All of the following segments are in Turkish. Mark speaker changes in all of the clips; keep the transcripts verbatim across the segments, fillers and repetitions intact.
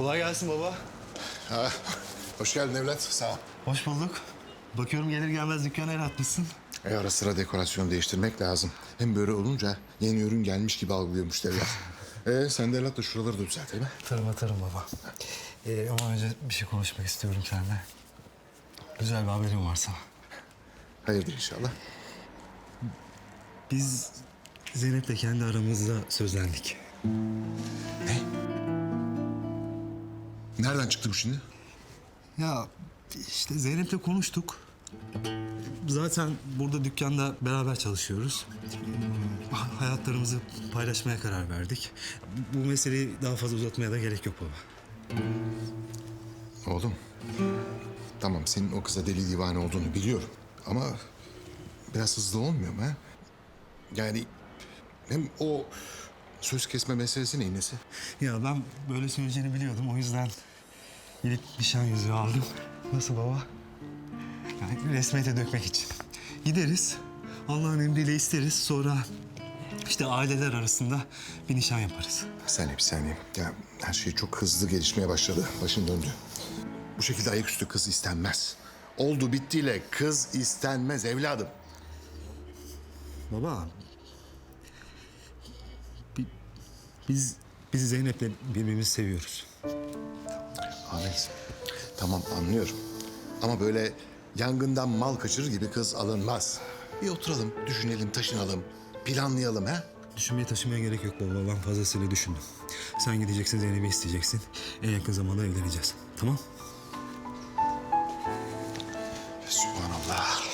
Speaker 1: Kolay gelsin baba.
Speaker 2: Ha, hoş geldin evlat. Sağ ol.
Speaker 1: Hoş bulduk. Bakıyorum gelir gelmez dükkana el atmışsın.
Speaker 2: E ara sıra dekorasyon değiştirmek lazım. Hem böyle olunca yeni ürün gelmiş gibi algılıyor müşteriler. e sen de evlat da şuraları da düzelt değil mi?
Speaker 1: Atarım atarım baba. Ee, ama önce bir şey konuşmak istiyorum seninle. Güzel bir haberim var sana.
Speaker 2: Hayırdır inşallah.
Speaker 1: Biz Zeynep'le kendi aramızda sözlendik.
Speaker 2: Ne? Nereden çıktı bu şimdi?
Speaker 1: Ya işte Zeynep'le konuştuk. Zaten burada dükkanda beraber çalışıyoruz. Hmm, Hayatlarımızı paylaşmaya karar verdik. Bu meseleyi daha fazla uzatmaya da gerek yok baba.
Speaker 2: Oğlum. Tamam senin o kıza deli divane olduğunu biliyorum. Ama biraz hızlı olmuyor mu ha? Yani hem o söz kesme meselesi neyin nesi?
Speaker 1: Ya ben böyle söyleyeceğini biliyordum. O yüzden gidip nişan yüzüğü aldım. Nasıl baba? Yani resmiyete dökmek için. Gideriz. Allah'ın emriyle isteriz. Sonra işte aileler arasında bir nişan yaparız.
Speaker 2: Bir saniye bir saniye. Ya her şey çok hızlı gelişmeye başladı. Başın döndü. Bu şekilde ayaküstü kız istenmez. Oldu bittiyle kız istenmez evladım.
Speaker 1: Baba. bi- Biz biz Zeynep'le birbirimizi seviyoruz.
Speaker 2: Ahmet, tamam anlıyorum. Ama böyle yangından mal kaçırır gibi kız alınmaz. Bir oturalım, düşünelim, taşınalım, planlayalım ha?
Speaker 1: Düşünmeye taşımaya gerek yok baba. Ben fazlasıyla düşündüm. Sen gideceksin, Zeynep'i isteyeceksin. En yakın zamanda evleneceğiz. Tamam?
Speaker 2: Sübhanallah.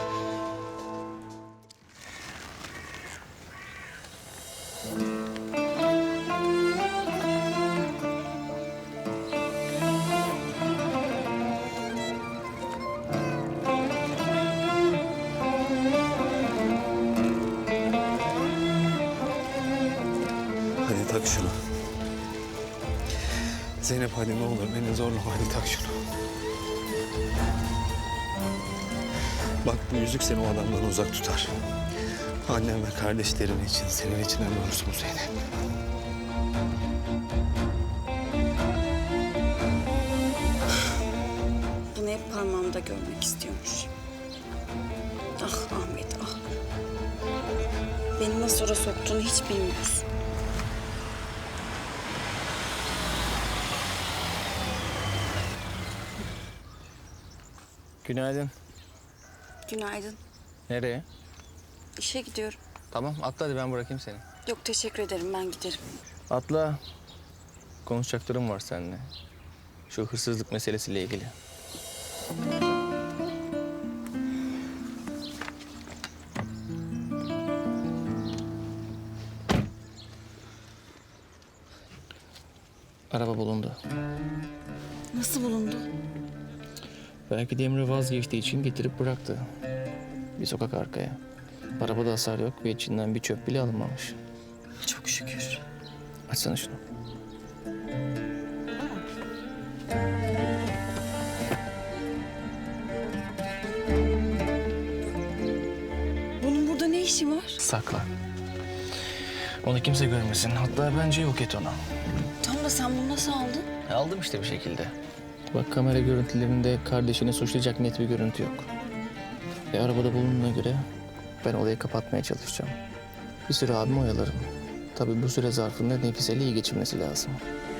Speaker 1: Hadi tak şunu. Zeynep hadi ne olur beni zorlama, hadi tak şunu. Bak bu yüzük seni o adamdan uzak tutar. Annem ve kardeşlerin için, senin için ömür olsun Zeynep.
Speaker 3: Bunu hep parmağımda görmek istiyormuş. Ah Ahmet ah. Beni nasıl oraya soktuğunu hiç bilmiyorsun.
Speaker 4: Günaydın.
Speaker 3: Günaydın.
Speaker 4: Nereye?
Speaker 3: İşe gidiyorum.
Speaker 4: Tamam atla hadi ben bırakayım seni.
Speaker 3: Yok teşekkür ederim ben giderim.
Speaker 4: Atla. Konuşacaklarım var seninle. Şu hırsızlık meselesiyle ilgili. Araba bulundu.
Speaker 3: Nasıl bulundu?
Speaker 4: Belki de Emre vazgeçtiği için getirip bıraktı. Bir sokak arkaya. Arabada hasar yok ve içinden bir çöp bile alınmamış.
Speaker 3: Çok şükür.
Speaker 4: Açsana şunu.
Speaker 3: Bunun burada ne işi var?
Speaker 4: Sakla. Onu kimse görmesin. Hatta bence yok et onu.
Speaker 3: Tam da sen bunu nasıl aldın?
Speaker 4: E, Aldım işte bir şekilde. Bak kamera görüntülerinde kardeşini suçlayacak net bir görüntü yok. E, arabada bulunduğuna göre ben olayı kapatmaya çalışacağım. Bir süre abimi oyalarım. Tabii bu süre zarfında Nefise'yle iyi geçirmesi lazım.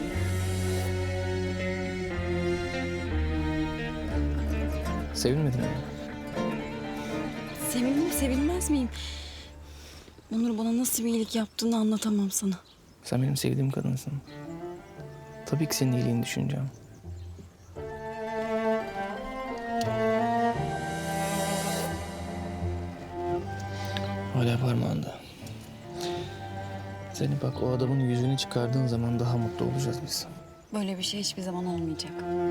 Speaker 4: Sevinmedin mi?
Speaker 3: Sevindim sevinmez miyim? Onur bana nasıl bir iyilik yaptığını anlatamam sana.
Speaker 4: Sen benim sevdiğim kadınsın. Tabii ki senin iyiliğini düşüneceğim. Hala parmağında. Zeynep bak o adamın yüzünü çıkardığın zaman daha mutlu olacağız biz.
Speaker 3: Böyle bir şey hiçbir zaman olmayacak.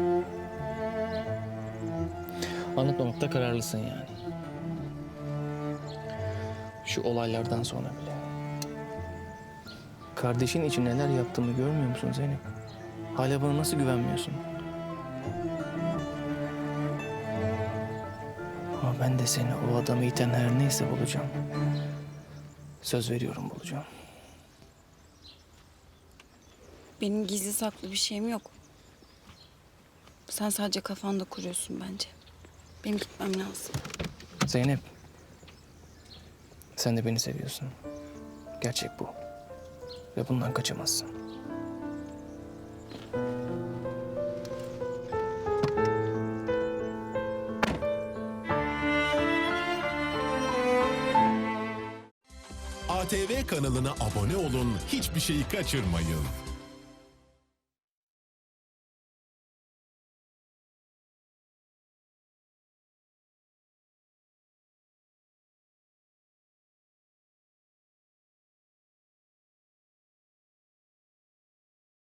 Speaker 4: Anlatmamakta kararlısın yani. Şu olaylardan sonra bile. Kardeşin için neler yaptığımı görmüyor musun Zeynep? Hala bana nasıl güvenmiyorsun? Ama ben de seni o adamı iten her neyse bulacağım. Söz veriyorum bulacağım.
Speaker 3: Benim gizli saklı bir şeyim yok. Sen sadece kafanda kuruyorsun bence. Benim gitmem lazım.
Speaker 4: Zeynep. Sen de beni seviyorsun. Gerçek bu. Ve bundan kaçamazsın.
Speaker 5: A T V kanalına abone olun, hiçbir şeyi kaçırmayın.